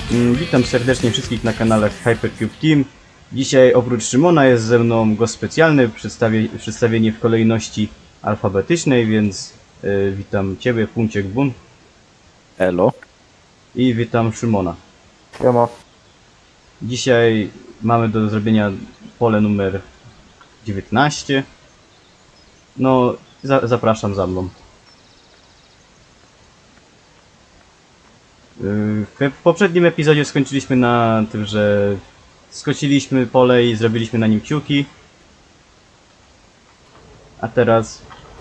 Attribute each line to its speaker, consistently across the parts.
Speaker 1: Witam serdecznie wszystkich na kanale Hypercube Team. Dzisiaj oprócz Szymona jest ze mną gość specjalny, przedstawienie w kolejności alfabetycznej, więc witam Ciebie, Punciek Bun.
Speaker 2: Elo.
Speaker 1: I witam Szymona.
Speaker 2: Siema.
Speaker 1: Dzisiaj mamy do zrobienia pole numer 19. No, zapraszam za mną. W poprzednim epizodzie skończyliśmy na tym, że skosiliśmy pole i zrobiliśmy na nim kciuki. A teraz...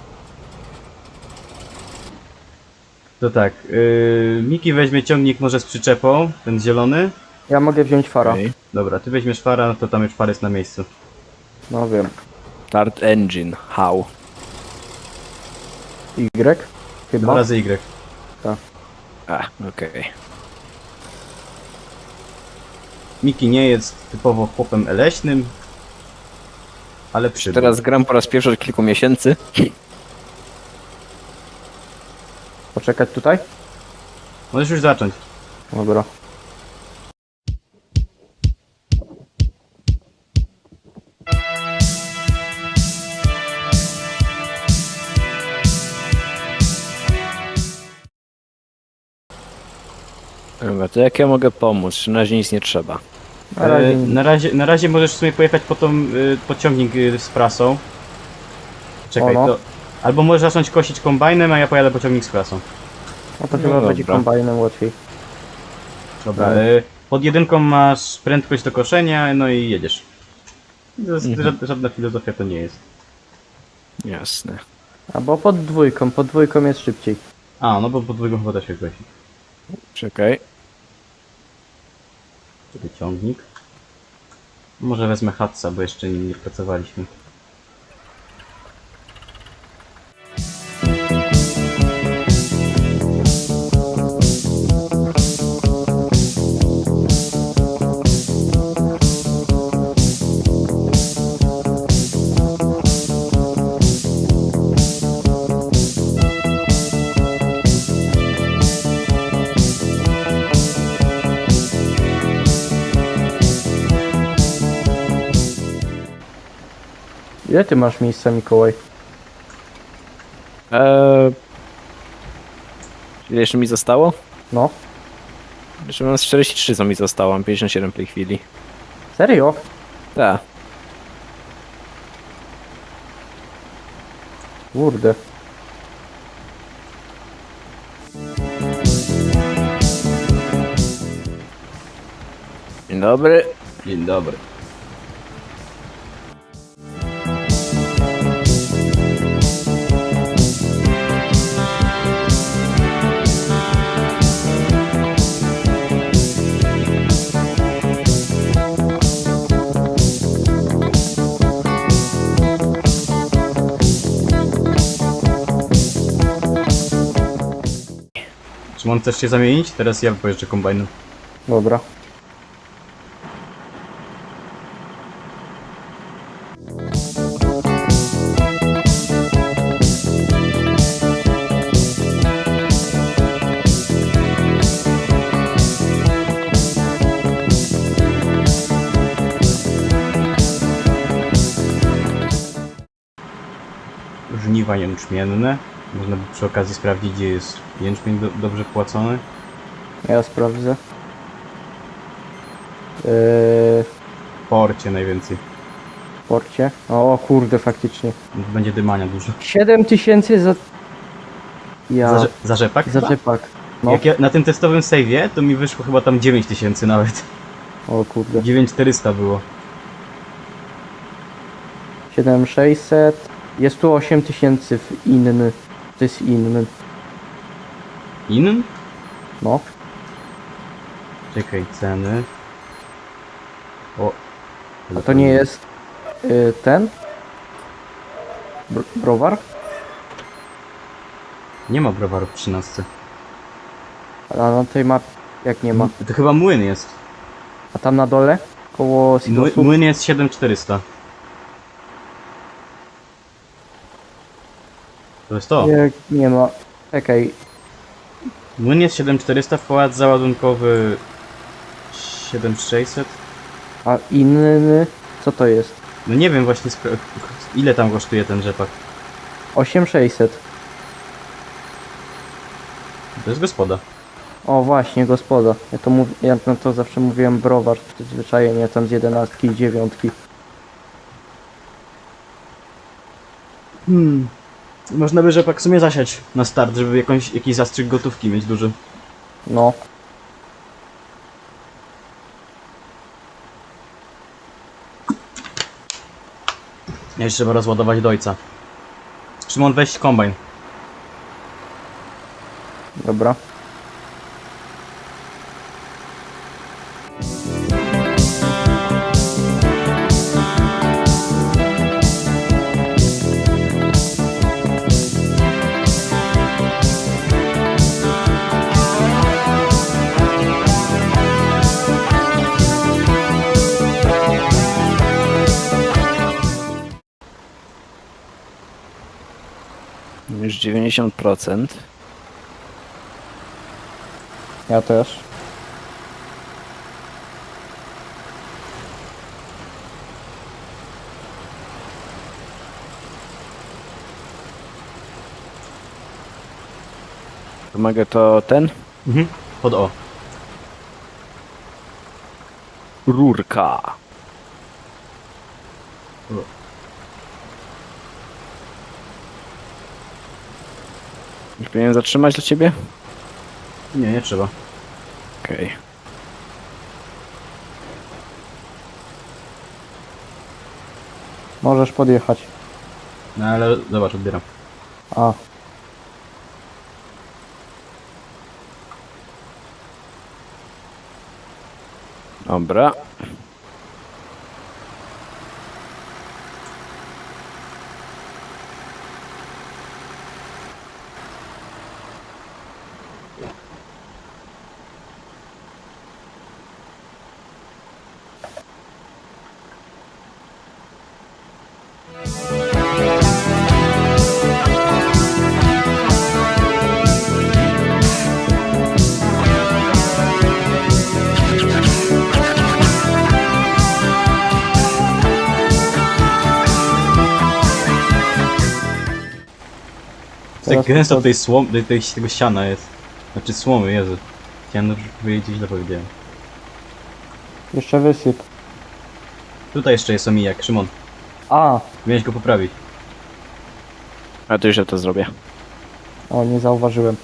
Speaker 1: To tak, Miki weźmie ciągnik może z przyczepą, ten zielony.
Speaker 3: Ja mogę wziąć fara.
Speaker 2: Okay.
Speaker 1: Dobra, ty weźmiesz fara, no to tam już far jest na miejscu.
Speaker 3: No wiem.
Speaker 2: Start engine. How?
Speaker 3: Y?
Speaker 1: 2
Speaker 3: Chyba.
Speaker 1: razy Y.
Speaker 2: Okej.
Speaker 1: Miki nie jest typowo chłopem leśnym, ale przybył.
Speaker 2: Teraz gram po raz pierwszy od kilku miesięcy.
Speaker 3: Poczekać tutaj?
Speaker 1: Możesz już zacząć.
Speaker 3: Dobra.
Speaker 2: Dobra, to jak ja mogę pomóc? Na razie nic nie trzeba.
Speaker 3: Na razie nie.
Speaker 1: Na razie możesz w sumie pojechać po tą pociągnik z prasą. Czekaj,
Speaker 3: O, no.
Speaker 1: to... Albo możesz zacząć kosić kombajnem, a ja pojadę pociągnik z prasą.
Speaker 3: No to
Speaker 2: No
Speaker 3: chyba
Speaker 2: dobra.
Speaker 3: będzie kombajnem łatwiej.
Speaker 1: Dobra,
Speaker 3: No.
Speaker 1: pod jedynką masz prędkość do koszenia, no i jedziesz. Żadna filozofia to nie jest.
Speaker 2: Jasne.
Speaker 3: Albo pod dwójką jest szybciej.
Speaker 1: A, no bo pod dwójką chyba da się kosi.
Speaker 2: Czekaj.
Speaker 1: Tutaj ciągnik. Może wezmę Hatsa, bo jeszcze nim nie pracowaliśmy.
Speaker 3: Ile ty masz miejsca, Mikołaj?
Speaker 2: Ile jeszcze mi zostało?
Speaker 3: No.
Speaker 2: Jeszcze mam z 43 co mi zostało, mam 57 w tej chwili.
Speaker 3: Serio?
Speaker 2: Tak.
Speaker 3: Kurde.
Speaker 2: Dzień dobry.
Speaker 1: Dzień dobry. Szymon, chcesz się zamienić? Teraz ja pojeżdżę kombajnem.
Speaker 3: Dobra.
Speaker 1: Żniwa jęczmienne. Można by przy okazji sprawdzić, gdzie jest jęczmień dobrze płacony.
Speaker 3: Ja sprawdzę.
Speaker 1: W porcie najwięcej.
Speaker 3: W porcie. O kurde, faktycznie.
Speaker 1: Będzie dymania dużo.
Speaker 3: 7000 za... Ja...
Speaker 1: Za rzepak?
Speaker 3: Za rzepak. No.
Speaker 1: Jak ja na tym testowym save'ie, to mi wyszło chyba tam 9000 nawet.
Speaker 3: O kurde.
Speaker 1: 9400 było.
Speaker 3: 7600. Jest tu 8000 w inny. To jest inny.
Speaker 1: In?
Speaker 3: No.
Speaker 1: Czekaj, ceny. O.
Speaker 3: A to nie jest ten? Browar?
Speaker 1: Nie ma browaru w 13.
Speaker 3: A na tej mapie jak nie ma.
Speaker 1: To chyba młyn jest.
Speaker 3: A tam na dole? Koło silosów?
Speaker 1: Młyn jest 7400. To jest to.
Speaker 3: Nie ma. Czekaj.
Speaker 1: Młyn jest 7400, wkład załadunkowy 7600.
Speaker 3: A inny, co to jest?
Speaker 1: No nie wiem właśnie ile tam kosztuje ten rzepak.
Speaker 3: 8600.
Speaker 1: To jest gospoda.
Speaker 3: O właśnie, gospoda. Ja na to zawsze mówiłem browar, przyzwyczajenie tam z 11 i 9.
Speaker 1: Można by rzepak w sumie zasiać na start, żeby jakiś zastrzyk gotówki mieć duży.
Speaker 3: No.
Speaker 1: Jeszcze trzeba rozładować do ojca. Szymon, weź kombajn.
Speaker 3: Dobra.
Speaker 2: Już 90%.
Speaker 3: Ja też.
Speaker 2: Pomagę to ten?
Speaker 1: Pod O.
Speaker 2: Rurka. Już powinienem zatrzymać dla ciebie?
Speaker 1: Nie, nie trzeba.
Speaker 2: Okej.
Speaker 3: Możesz podjechać.
Speaker 1: No ale zobacz, odbieram.
Speaker 3: A.
Speaker 2: Dobra.
Speaker 1: Tak
Speaker 3: Teraz
Speaker 1: gęsto
Speaker 3: to-
Speaker 1: tego siana jest. Znaczy słomy, Jezu. Chciałem dobrze powiedzieć, źle powiedziałem.
Speaker 3: Jeszcze wysyp.
Speaker 1: Tutaj jeszcze jest omijak, Szymon.
Speaker 3: A.
Speaker 1: Miałeś go poprawić.
Speaker 2: A to już ja to zrobię.
Speaker 3: O, nie zauważyłem.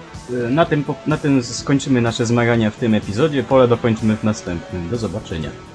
Speaker 1: Na tym skończymy nasze zmagania w tym epizodzie. Pole dokończymy w następnym. Do zobaczenia.